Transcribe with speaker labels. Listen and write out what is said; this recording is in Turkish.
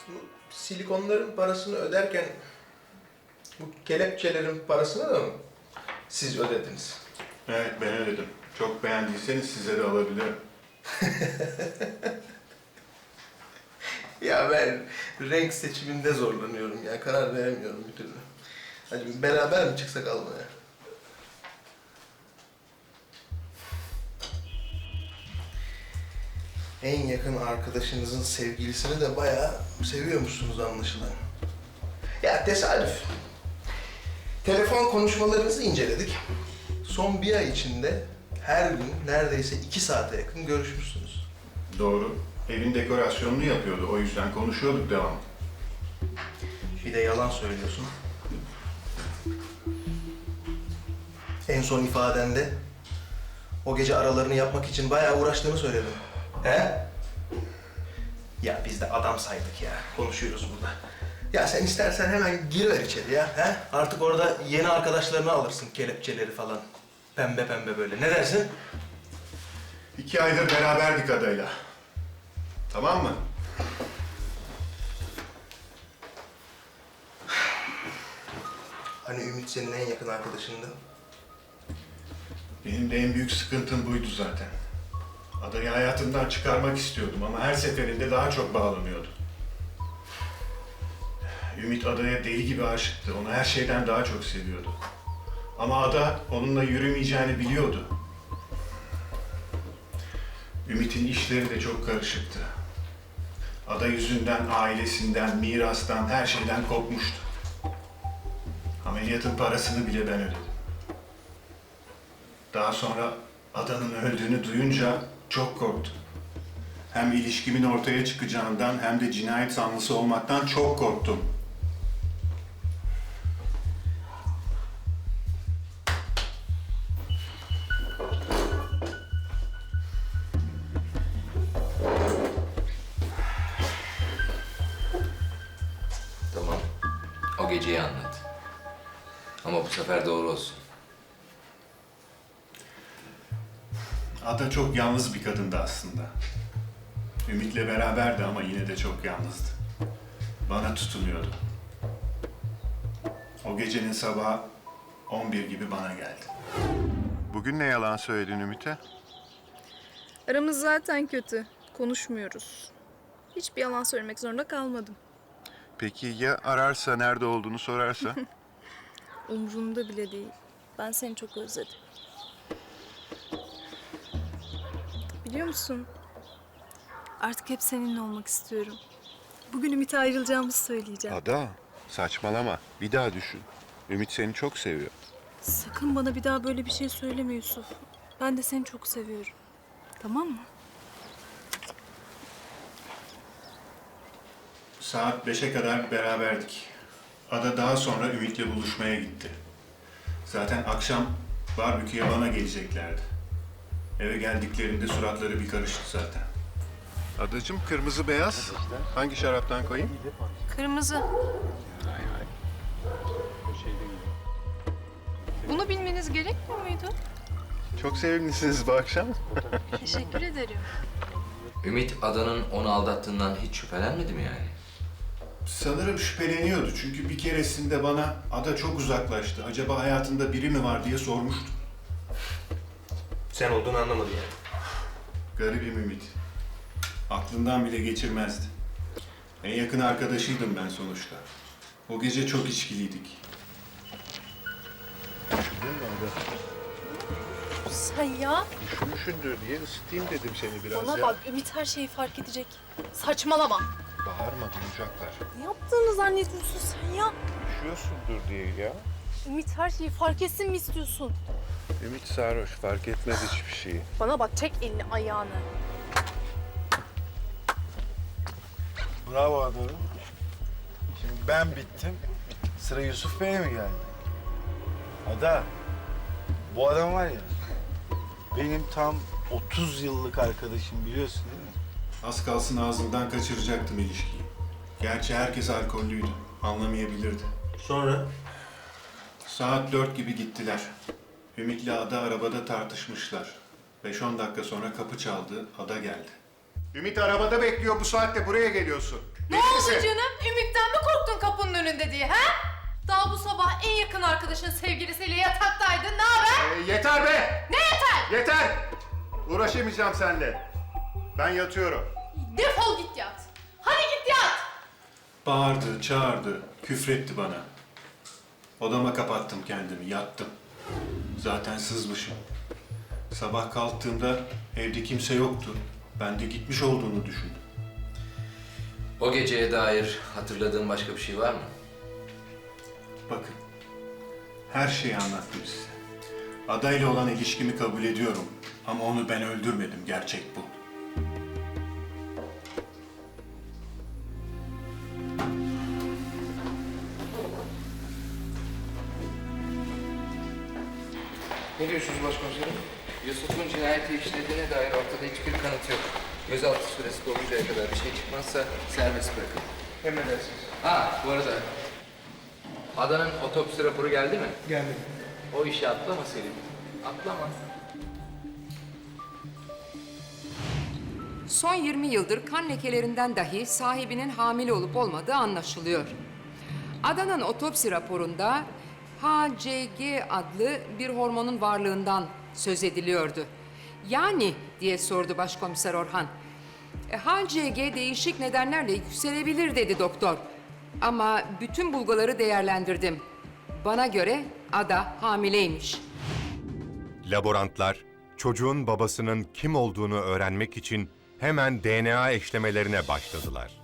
Speaker 1: Bu silikonların parasını öderken bu kelepçelerin parasını da mı siz ödediniz?
Speaker 2: Evet, ben ödedim. Çok beğendiyseniz size de alabilirim.
Speaker 1: Ya ben renk seçiminde zorlanıyorum ya. Karar veremiyorum bir türlü. Hadi beraber mi çıksak almaya? En yakın arkadaşınızın sevgilisini de bayağı seviyormuşsunuz anlaşılan. Ya tesadüf. Telefon konuşmalarınızı inceledik. Son bir ay içinde her gün neredeyse 2 saate yakın görüşmüşsünüz.
Speaker 2: Doğru. Evin dekorasyonunu yapıyordu. O yüzden konuşuyorduk devamlı.
Speaker 1: Bir de yalan söylüyorsun. En son ifadende o gece aralarını yapmak için bayağı uğraştığını söyledin. He? Ya biz de adam saydık ya. Konuşuyoruz burada. Ya sen istersen hemen giriver içeri ya. He? Artık orada yeni arkadaşlarını alırsın. Kelepçeleri falan. Pembe pembe böyle. Ne dersin?
Speaker 2: 2 aydır beraberdik adayla. Tamam mı?
Speaker 1: Hani Ümit senin en yakın arkadaşındı.
Speaker 2: Benim de en büyük sıkıntım buydu zaten. Adayı hayatımdan çıkarmak istiyordum ama her seferinde daha çok bağlanıyordu. Ümit Ada'ya deli gibi aşıktı. Onu her şeyden daha çok seviyordu. Ama Ada onunla yürümeyeceğini biliyordu. Ümit'in işleri de çok karışıktı. Ada yüzünden, ailesinden, mirastan, her şeyden kopmuştu. Ameliyatın parasını bile ben ödedim. Daha sonra Ada'nın öldüğünü duyunca çok korktum. Hem ilişkimin ortaya çıkacağından hem de cinayet zanlısı olmaktan çok korktum.
Speaker 3: Tamam. O geceyi anlat. Ama bu sefer doğru olsun.
Speaker 2: Ada çok yalnız bir kadındı aslında. Ümit'le beraberdi ama yine de çok yalnızdı. Bana tutunuyordu. O gecenin sabahı 11 gibi bana geldi. Bugün ne yalan söyledin Ümit'e?
Speaker 4: Aramız zaten kötü. Konuşmuyoruz. Hiçbir yalan söylemek zorunda kalmadım.
Speaker 2: Peki ya ararsa, nerede olduğunu sorarsa?
Speaker 4: Umrumda bile değil. Ben seni çok özledim. Biliyor musun? Artık hep seninle olmak istiyorum. Bugün Ümit'e ayrılacağımızı söyleyeceğim.
Speaker 2: Ada, saçmalama. Bir daha düşün. Ümit seni çok seviyor.
Speaker 4: Sakın bana bir daha böyle bir şey söyleme Yusuf. Ben de seni çok seviyorum. Tamam mı?
Speaker 2: Saat 5'e kadar beraberdik. Ada daha sonra Ümit'le buluşmaya gitti. Zaten akşam barbeküye bana geleceklerdi. Eve geldiklerinde suratları bir karıştı zaten. Adacığım, kırmızı beyaz. Hangi şaraptan koyayım?
Speaker 4: Kırmızı. Bunu bilmeniz gerekmiyor muydu?
Speaker 2: Çok sevimlisiniz bu akşam.
Speaker 4: Teşekkür ederim.
Speaker 3: Ümit Adan'ın onu aldattığından hiç şüphelenmedi mi yani?
Speaker 2: Sanırım şüpheleniyordu çünkü bir keresinde bana Ada çok uzaklaştı. Acaba hayatında biri mi var diye sormuştu.
Speaker 1: Sen olduğunu anlamadı yani.
Speaker 2: Garibim Ümit. Aklından bile geçirmezdi. En yakın arkadaşıydım ben sonuçta. O gece çok içkiliydik.
Speaker 5: Sen ya,
Speaker 2: Üşümüşündür diye ısıtayım dedim seni biraz
Speaker 5: bana bak Ümit her şeyi fark edecek. Saçmalama.
Speaker 2: Bağırma, duyacaklar.
Speaker 5: Ne yaptığını zannediyorsun sen ya?
Speaker 2: Üşüyorsundur diye ya.
Speaker 5: Ümit her şeyi fark etsin mi istiyorsun?
Speaker 2: Ümit sarhoş, fark etmez hiçbir şeyi.
Speaker 5: Bana bak çek elini ayağını.
Speaker 6: Bravo Adorun. Şimdi ben bittim. Sıra Yusuf Bey'e mi geldi? Ada, bu adam var ya, benim tam 30 yıllık arkadaşım biliyorsun değil mi?
Speaker 2: Az kalsın ağzından kaçıracaktım ilişkiyi. Gerçi herkes alkollüydü, anlamayabilirdi.
Speaker 1: Sonra?
Speaker 2: Saat 4 gibi gittiler. Ümit'le Ada arabada tartışmışlar. 5-10 dakika sonra kapı çaldı, Ada geldi. Ümit arabada bekliyor, bu saatte buraya geliyorsun.
Speaker 5: Ne oldu canım? Ümit'ten mi korktun kapının önünde diye ha? Daha bu sabah en yakın arkadaşın sevgilisiyle yataktaydın. Ne haber?
Speaker 2: Yeter be!
Speaker 5: Ne yeter?
Speaker 2: Yeter! Uğraşamayacağım seninle. Ben yatıyorum.
Speaker 5: Defol git yat. Hadi git yat.
Speaker 2: Bağırdı, çağırdı, küfretti bana. Odama kapattım kendimi, yattım. Zaten sızmışım. Sabah kalktığımda evde kimse yoktu. Ben de gitmiş olduğunu düşündüm.
Speaker 3: O geceye dair hatırladığın başka bir şey var mı?
Speaker 2: Bakın, her şeyi anlattım size. Adayla olan ilişkimi kabul ediyorum. Ama onu ben öldürmedim, gerçek bu.
Speaker 3: Ne diyorsunuz başkomiserim? Yusuf'un cinayeti işlediğine dair ortada hiçbir kanıt yok. Gözaltı süresi doluncaya kadar bir şey çıkmazsa serbest bırakın.
Speaker 1: Emredersiniz.
Speaker 3: Ha, bu arada Adanın otopsi raporu geldi mi?
Speaker 1: Geldi.
Speaker 3: O işi atlama Selim. Atlama.
Speaker 7: Son 20 yıldır kan lekelerinden dahi sahibinin hamile olup olmadığı anlaşılıyor. Adanın otopsi raporunda HCG adlı bir hormonun varlığından söz ediliyordu. Yani diye sordu Başkomiser Orhan. HCG değişik nedenlerle yükselebilir dedi doktor. Ama bütün bulguları değerlendirdim. Bana göre Ada hamileymiş.
Speaker 8: Laborantlar çocuğun babasının kim olduğunu öğrenmek için hemen DNA eşlemelerine başladılar.